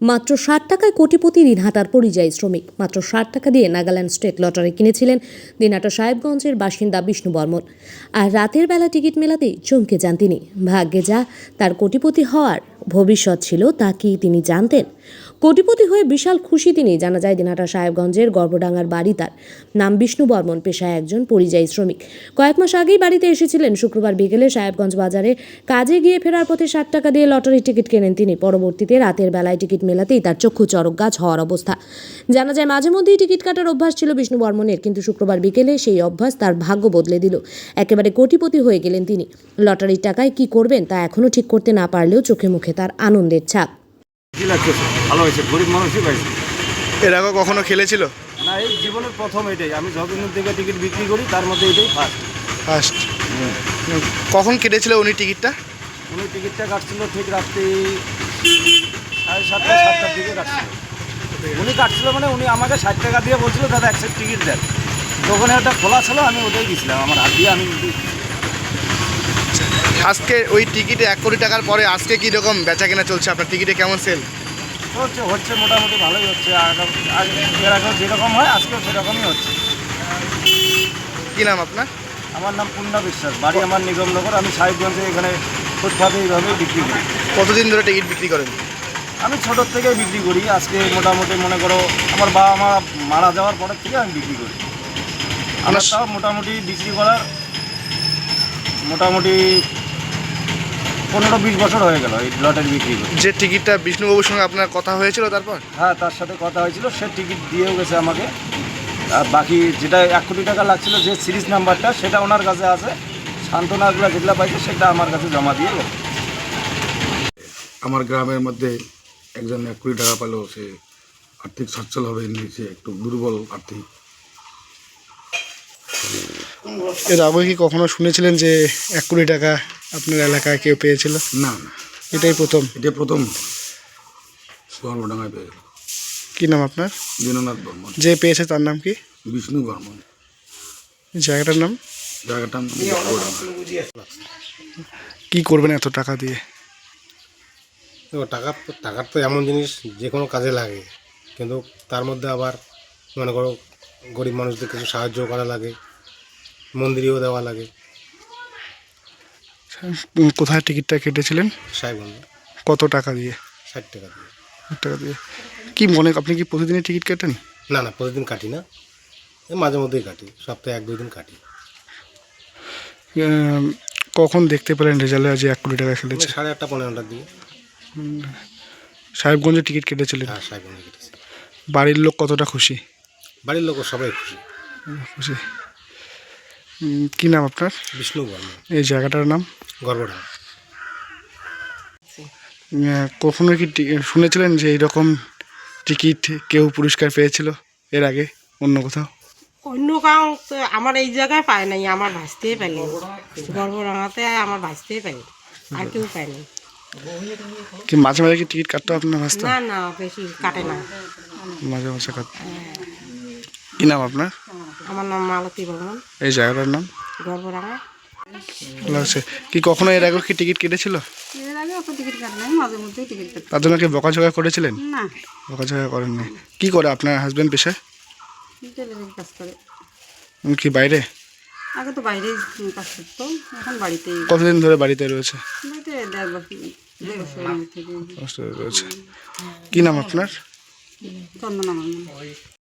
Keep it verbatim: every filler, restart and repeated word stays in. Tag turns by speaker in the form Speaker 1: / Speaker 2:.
Speaker 1: মাত্র ষাট টাকায় কোটিপতি দিনহাটার পরিযায়ী শ্রমিক। মাত্র ষাট টাকা দিয়ে নাগাল্যান্ড স্টেট লটারি কিনেছিলেন দিনহাটা সাহেবগঞ্জের বাসিন্দা বিষ্ণু বর্মন। আর রাতের বেলা টিকিট মেলাতেই চমকে যান তিনি। ভাগ্যে যা তার কোটিপতি হওয়ার ভবিষ্যৎ ছিল তা কি তিনি জানতেন? কোটিপতি হয়ে বিশাল খুশি তিনি। জানা যায় দিনহাটা সাহেবগঞ্জের গর্বডাঙ্গার বাড়ি তার। নাম বিষ্ণু বর্মন, পেশায় একজন পরিযায়ী শ্রমিক। কয়েক মাস আগেই বাড়িতে এসেছিলেন। শুক্রবার বিকেলে সাহেবগঞ্জ বাজারে কাজে গিয়ে ফেরার পথে ষাট টাকা দিয়ে লটারি টিকিট কেনেন তিনি। পরবর্তীতে রাতের বেলায় টিকিট মেলাতেই তার চক্ষু চড়ক গাছ হওয়ার অবস্থা। জানা যায় মাঝে মধ্যেই টিকিট কাটার অভ্যাস ছিল বিষ্ণু বর্মনের, কিন্তু শুক্রবার বিকেলে সেই অভ্যাস তার ভাগ্য বদলে দিল। একেবারে কোটিপতি হয়ে গেলেন তিনি। লটারির টাকায় কি করবেন তা এখনও ঠিক করতে না পারলেও চোখে মুখে তার আনন্দের ছাপ।
Speaker 2: ভালো হয়েছে, গরিব মানুষই পাইছে।
Speaker 3: এর আগে কখনো খেলেছিল
Speaker 2: না, এই জীবনের প্রথম এটাই। আমি যতদিন থেকে টিকিট বিক্রি করি তার মধ্যে এটাই ফার্স্ট
Speaker 3: ফার্স্ট কখন কেটেছিল উনি টিকিটটা?
Speaker 2: উনি টিকিটটা কাটছিল ঠিক রাত্রি সাড়ে সাতটা সাতটার দিকে কাটছিল। উনি কাটছিল মানে উনি আমাকে ষাট টাকা দিয়ে বলছিল দাদা এক সেট টিকিট দেন। তখন একটা খোলা ছিল, আমি ওটাই দিয়েছিলাম আমার হাত দিয়ে। আমি
Speaker 3: আজকে ওই টিকিটে এক কোটি টাকার পরে আজকে কীরকম বেচা কেনা চলছে? আপনার টিকিটে কেমন সেল
Speaker 2: হচ্ছে? হচ্ছে মোটামুটি ভালোই হচ্ছে। এর আগেও যেরকম হয় আজকেও সেরকমই হচ্ছে।
Speaker 3: কী নাম আপনার?
Speaker 2: আমার নাম পূর্ণা বিশ্বাস, বাড়ি আমার নিগমনগর। আমি সাহেবগঞ্জে এখানে ফুটপাতে এইভাবেই বিক্রি করি।
Speaker 3: কতদিন ধরে টিকিট বিক্রি করেন?
Speaker 2: আমি ছোটোর থেকেই বিক্রি করি। আজকে মোটামুটি মনে করো আমার বাবা মা মারা যাওয়ার পরের থেকে আমি বিক্রি করি। আমার তাও মোটামুটি বিক্রি করার মোটামুটি পনেরো বিশ বছর হয়ে গেল এই লটারি বিক্রি করি।
Speaker 3: যে টিকিটটা বিষ্ণুবাবুর সঙ্গে আপনার কথা হয়েছিল তারপর?
Speaker 2: হ্যাঁ, তার সাথে কথা হয়েছিল, সে টিকিট দিয়েও গেছে আমাকে। আর বাকি যেটা এক কোটি টাকা লাগছিল, যে সিরিজ নাম্বারটা, সেটা ওনার কাছে আছে। সান্ত্বনাগুলো যেগুলো পাইছে সেটা আমার কাছে জমা দিয়ে গেছে।
Speaker 4: আমার গ্রামের মধ্যে একজন এক কোটি টাকা পেল, সে আর্থিক সচ্ছল হবে, সে একটু দুর্বল আর্থিক।
Speaker 3: এর আগে কি কখনো শুনেছিলেন যে এক কোটি টাকা আপনার এলাকায় কেউ পেয়েছিল?
Speaker 4: না না,
Speaker 3: এটাই প্রথম।
Speaker 4: এটা প্রথম গর্বডাঙ্গায় পেয়ে গেল।
Speaker 3: কী নাম আপনার?
Speaker 4: দীননাথ বর্মন।
Speaker 3: যে পেয়েছে তার নাম কি?
Speaker 4: বিষ্ণু বর্মন।
Speaker 3: জায়গাটার নাম?
Speaker 4: জায়গাটার নাম গর্বডাঙ্গা।
Speaker 3: কী করবেন এত টাকা দিয়ে?
Speaker 5: টাকা টাকার তো এমন জিনিস যে কোনো কাজে লাগে, কিন্তু তার মধ্যে আবার মনে করো গরিব মানুষদের কিছু সাহায্য করা লাগে, মন্দিরেও দেওয়া লাগে।
Speaker 3: কোথায় টিকিটটা কেটেছিলেন?
Speaker 5: সাহেবগঞ্জ।
Speaker 3: কত টাকা দিয়ে?
Speaker 5: ষাট টাকা দিয়ে।
Speaker 3: ষাট টাকা দিয়ে। কী মনে, আপনি কি প্রতিদিনই টিকিট কাটেন?
Speaker 5: না না, প্রতিদিন কাটি না, মাঝে মধ্যেই কাটি, সপ্তাহে এক দুই দিন কাটি।
Speaker 3: কখন দেখতে পেলেন রেজাল্টে যে এক কোটি টাকা খেলেছে?
Speaker 5: সাড়ে আটটা পনেরোটার দিকে।
Speaker 3: সাহেবগঞ্জে টিকিট কেটেছিলেন?
Speaker 5: হ্যাঁ, সাহেবগঞ্জে কেটেছি।
Speaker 3: বাড়ির লোক কতটা খুশি?
Speaker 5: বাড়ির লোক সবাই খুশি।
Speaker 3: খুশি। কী নাম আপনার?
Speaker 5: বিষ্ণু বর্মন।
Speaker 3: এই জায়গাটার নাম?
Speaker 5: গর্বডাঙ্গা।
Speaker 3: কখনো কি শুনেছিলেন যে এইরকম টিকিট কেউ পুরস্কার পেয়েছিল এর আগে অন্য কোথাও?
Speaker 6: অন্য কাউ আমার এই জায়গায় পায় নাই, আমার ভাসতেই পাইনি। গর্বডাঙ্গাতে আমার ভাসতেই পাইনি, আর কেউ পায়নি।
Speaker 3: কি মাঝে মাঝে কি টিকিট কাটতো আপনার ভাসতে?
Speaker 6: না না, বেশি কাটে না,
Speaker 3: মাঝে মাঝে কাটতো। কী নাম আপনার?
Speaker 6: আমার নাম মালতী বর্মন।
Speaker 3: এই জায়গাটার নাম?
Speaker 6: গর্বডাঙ্গা।
Speaker 3: লাগছে। কি কখনো এর আগে কি টিকিট কেটেছিল?
Speaker 6: এর আগে অত টিকিট কাটে নাই, মাঝে মধ্যেই টিকিট কাটে।
Speaker 3: তার জন্য কি বকাঝকা করেছিলেন?
Speaker 6: না,
Speaker 3: বকাঝকা করেননি। কী করে আপনার হাজব্যান্ড পেশায়?
Speaker 6: ডেলিভারি কাজ করে।
Speaker 3: কি বাইরে?
Speaker 6: আগে তো বাইরেই কাজ করতো, এখন বাড়িতেই।
Speaker 3: কতদিন ধরে বাড়িতে রয়েছে?
Speaker 6: বাড়িতে দেড় বছর দেড় বছরের মধ্যে থেকে
Speaker 3: রয়েছে। কী নাম আপনার?
Speaker 6: চন্দনা বর্মন।